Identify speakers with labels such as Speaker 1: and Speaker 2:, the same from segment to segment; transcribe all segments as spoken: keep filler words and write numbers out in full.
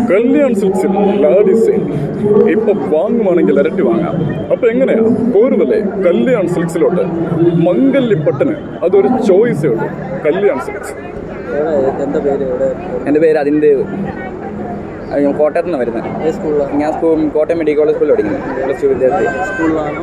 Speaker 1: കല്യാൺ സിൽക്സിൽ ലാഡിസൈൻ ഇപ്പൊ വാങ്ങുവാണെങ്കിൽ ഇരട്ടി വാങ്ങാം. അപ്പൊ എങ്ങനെയാ പോരുതല്ലേ കല്യാൺ സിൽക്സിലോട്ട്. മംഗല്യപ്പട്ടന് അതൊരു ചോയ്സേ ഉള്ളൂ. കല്യാൺ സിൽക്സ്.
Speaker 2: എൻ്റെ പേര് അതിൻ്റെ ഞാൻ കോട്ടയത്ത് നിന്ന് വരുന്നത്. ഞാൻ സ്കൂൾ കോട്ടയം മെഡിക്കൽ കോളേജ് സ്കൂളിൽ പഠിക്കുന്നത്. പ്ലസ് ടു വിദ്യാർത്ഥി.
Speaker 3: സ്കൂളിലാണോ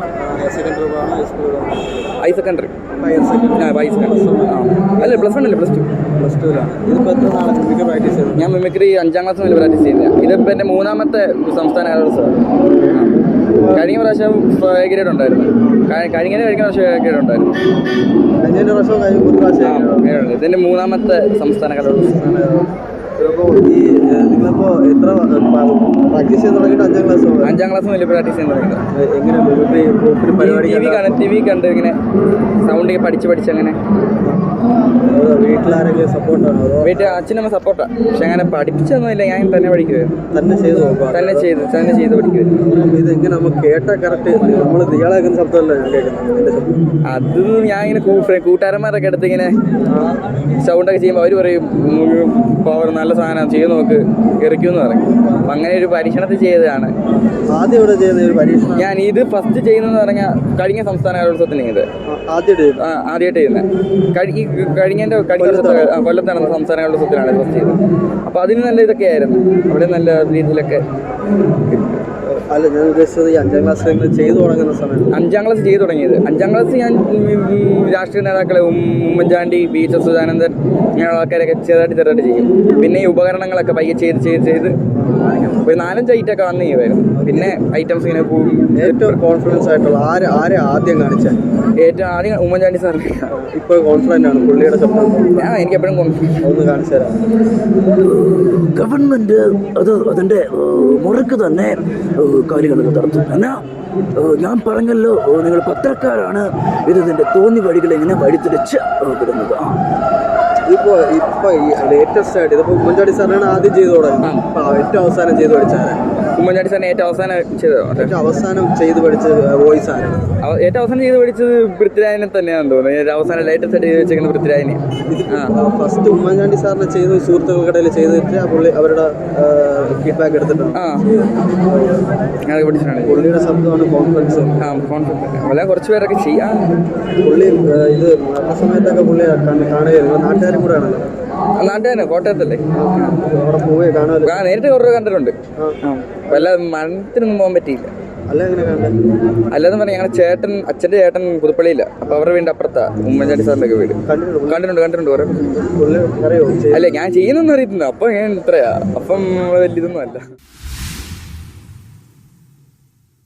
Speaker 2: ഹൈ സെക്കൻഡറി? ആ ഹൈ സെക്കൻഡറി. ആ അല്ല പ്ലസ് വൺ അല്ലേ, പ്ലസ് ടു.
Speaker 3: പ്ലസ് ടൂലാണ്. ഇതിപ്പോൾ എത്ര നാളെ മിമിക്രി പ്രാക്ടീസ് ചെയ്തു?
Speaker 2: ഞാൻ മിമിക്രി അഞ്ചാം ക്ലാസ് മുതൽ പ്രാക്ടീസ് ചെയ്യുന്നത്. ഇതിപ്പോൾ എൻ്റെ മൂന്നാമത്തെ സംസ്ഥാന കലോത്സവം. കഴിഞ്ഞ പ്രാവശ്യം ഗ്രേഡ് ഉണ്ടായിരുന്നു. കഴിഞ്ഞ കഴിഞ്ഞ പ്രാവശ്യം ഗ്രേഡ് ഉണ്ടായിരുന്നു.
Speaker 3: കഴിഞ്ഞ പ്രാവശ്യം കഴിഞ്ഞ മൂന്ന് പ്രാവശ്യം
Speaker 2: ഇതിൻ്റെ മൂന്നാമത്തെ സംസ്ഥാന കലോത്സവം.
Speaker 3: ഇപ്പോൾ ഈ നിങ്ങളിപ്പോൾ എത്ര പ്രാക്ടീസ് ചെയ്യാൻ തുടങ്ങിയിട്ട് അഞ്ചാം ക്ലാസ്
Speaker 2: അഞ്ചാം ക്ലാസ് മുതൽ പ്രാക്ടീസ് ചെയ്യാൻ തുടങ്ങിയത്.
Speaker 3: എങ്ങനെ മിമിക്രി പരിപാടി
Speaker 2: ടി വി കാണും ടി വി കണ്ട് ഇങ്ങനെ സൗണ്ട് പഠിച്ച് പഠിച്ച് അങ്ങനെ.
Speaker 3: വീട്ടിലാരെങ്കിലും സപ്പോർട്ടാണോ?
Speaker 2: വീട്ടിൽ അച്ഛനമ്മ സപ്പോർട്ടാണ്. പക്ഷെ അങ്ങനെ പഠിപ്പിച്ചൊന്നുമില്ല, ഞാൻ തന്നെ പഠിക്കുമായിരുന്നു.
Speaker 3: തന്നെ ചെയ്ത് നോക്കുക.
Speaker 2: തന്നെ ചെയ്ത് തന്നെ ചെയ്ത് പഠിക്കുമായിരുന്നു.
Speaker 3: ഇത് എങ്ങനെ നമുക്ക് കേട്ടാൽ കറക്റ്റ് നമ്മൾ ഇയാളാക്കുന്ന ശബ്ദമല്ല ഞാൻ കേൾക്കുന്നത്.
Speaker 2: അത് ഞാൻ ഇങ്ങനെ കൂട്ടുകാരന്മാരൊക്കെ അടുത്ത് ഇങ്ങനെ സൗണ്ടൊക്കെ ചെയ്യുമ്പോൾ അവർ പറയും പവർ നല്ല സാധനം ചെയ്ത് നോക്ക് എറിക്കുമെന്ന് പറയും. അപ്പം അങ്ങനെ ഒരു പരീക്ഷണത്തിൽ ചെയ്തതാണ്.
Speaker 3: ആദ്യം ഇവിടെ ചെയ്യുന്ന ഒരു പരീക്ഷണം
Speaker 2: ഞാൻ ഇത് ഫസ്റ്റ് ചെയ്യുന്നതെന്ന് പറഞ്ഞാൽ കഴിഞ്ഞ സംസ്ഥാന കലോത്സവത്തിന് ഇത്
Speaker 3: ആദ്യമായിട്ട്
Speaker 2: ആ ആദ്യമായിട്ട് ചെയ്യുന്നത്. ഈ കഴിഞ്ഞതിൻ്റെ കഴിഞ്ഞ കൊല്ലത്ത് നടന്ന സംസ്ഥാന കലോത്സവത്തിനാണ് ഇത് ഫസ്റ്റ് ചെയ്തത്. അപ്പോൾ അതിന് നല്ല ഇതൊക്കെ ആയിരുന്നു. അവിടെ നല്ല രീതിയിലൊക്കെ.
Speaker 3: അല്ല, ഞാൻ ഉദ്ദേശിച്ചത് ഈ അഞ്ചാം ക്ലാസ് നിങ്ങൾ ചെയ്തു തുടങ്ങുന്ന സമയത്ത്.
Speaker 2: അഞ്ചാം ക്ലാസ് ചെയ്തു തുടങ്ങിയത് അഞ്ചാം ക്ലാസ് ഞാൻ രാഷ്ട്രീയ നേതാക്കളെ ഉമ്മൻചാണ്ടി, ബി എച്ച് സച്ചിദാനന്ദൻ ഇങ്ങനെയുള്ള ആൾക്കാരൊക്കെ ചെറുതായിട്ട് ചെറുതായിട്ട് ചെയ്യും. പിന്നെ ഈ ഉപകരണങ്ങളൊക്കെ പയ്യെ ചെയ്ത് ചെയ്ത് ചെയ്ത് ഒരു നാലഞ്ച് ഐറ്റമൊക്കെ വന്നു ചെയ്യുമായിരുന്നു. പിന്നെ ഐറ്റംസ് ഇങ്ങനെ പോകും.
Speaker 3: ഏറ്റവും കോൺഫിഡൻസ് ആയിട്ടുള്ള ആര് ആരെ ആദ്യം കാണിച്ചാൽ?
Speaker 2: ഏറ്റവും ആദ്യം ഉമ്മൻചാണ്ടി സാർ.
Speaker 3: ഇപ്പോൾ കോൺഫിഡൻ്റ് ആണ് പുള്ളിയുടെ ശബ്ദം.
Speaker 2: ഞാൻ എനിക്ക് എപ്പോഴും കോൺഫിഡൻസ്.
Speaker 3: ഒന്ന് കാണിച്ചു തരാം.
Speaker 4: ഗവൺമെൻറ് അത് അതിൻ്റെ മുറക്ക് തന്നെ കാര്യങ്ങളൊക്കെ നടത്തും. എന്നാൽ ഞാൻ പറഞ്ഞല്ലോ, നിങ്ങൾ പത്രക്കാരാണ് ഇതിൻ്റെ തോന്നി വഴികൾ എങ്ങനെ വഴിതിരിച്ച് വിടുന്നത്. ആ
Speaker 3: ഇതിപ്പോൾ ഇപ്പോൾ ഈ ലേറ്റസ്റ്റ് ആയിട്ട് ഇതിപ്പോൾ ഉമ്മൻചാണ്ടി സാറിനാണ് ആദ്യം ചെയ്തു തുടങ്ങി. അപ്പോൾ ഏറ്റവും അവസാനം ചെയ്ത് പഠിച്ചാൽ
Speaker 2: ഉമ്മൻചാണ്ടി സാറിന് ഏറ്റവും അവസാനം ചെയ്തത്
Speaker 3: ഏറ്റവും അവസാനം ചെയ്ത് പഠിച്ച വോയിസ് ആരാണ്?
Speaker 2: ഏറ്റവും അവസാനം ചെയ്ത് പഠിച്ചത് പൃഥ്വിരാജിനെ തന്നെയാണെന്ന് തോന്നുന്നത്. അവസാനം ലേറ്റസ്റ്റ് ആയിട്ട് ചെയ്ത് വെച്ചിരിക്കുന്ന പൃഥ്വിരാജിനെ.
Speaker 3: ഫസ്റ്റ് ഉമ്മൻചാണ്ടി സാറിനെ ചെയ്ത് സുഹൃത്തുക്കൾക്കിടയിൽ ചെയ്തിട്ട് പുള്ളി അവരുടെ ഫീഡ്ബാക്ക് എടുത്തിട്ടുണ്ട്.
Speaker 2: ആ അത് പഠിച്ചിട്ടാണ്.
Speaker 3: പുള്ളിയുടെ ശബ്ദമാണ് കോൺഫിഡൻസ്.
Speaker 2: ആ കോൺഫിഡൻസ് അല്ല കുറച്ച് പേരൊക്കെ ചെയ്യാം.
Speaker 3: പുള്ളി ഇത് മരണ സമയത്തൊക്കെ പുള്ളി കാണുകയായിരുന്നു. നാട്ടുകാരും കൂടെ ആണല്ലോ.
Speaker 2: നാട്ടുകാരനെ കോട്ടയത്തല്ലേ.
Speaker 3: അവിടെ പോവുകയെ കാണുമല്ലോ.
Speaker 2: ആ നേരിട്ട് കുറേ കണ്ടിട്ടുണ്ട്. വല്ല മരണത്തിനൊന്നും പോകാൻ പറ്റിയില്ല.
Speaker 3: അല്ല എങ്ങനെ കണ്ടത്?
Speaker 2: അല്ലാതെ പറഞ്ഞാൽ ഞങ്ങളുടെ ചേട്ടൻ അച്ഛൻ്റെ ചേട്ടൻ പുതുപ്പള്ളിയില്ല. അപ്പോൾ അവരുടെ വീടിൻ്റെ അപ്പുറത്താ ഉമ്മൻചാണ്ടി സാറിൻ്റെ ഒക്കെ വീട്. കണ്ടിട്ടുണ്ട് കണ്ടിട്ടുണ്ട് കുറേ.
Speaker 3: പുള്ളി അറിയോ?
Speaker 2: അല്ലേ ഞാൻ ചെയ്യുന്നൊന്നും അറിയത്തില്ല. അപ്പം ഞാൻ ഇത്രയാ. അപ്പം വലിയതൊന്നും അല്ല.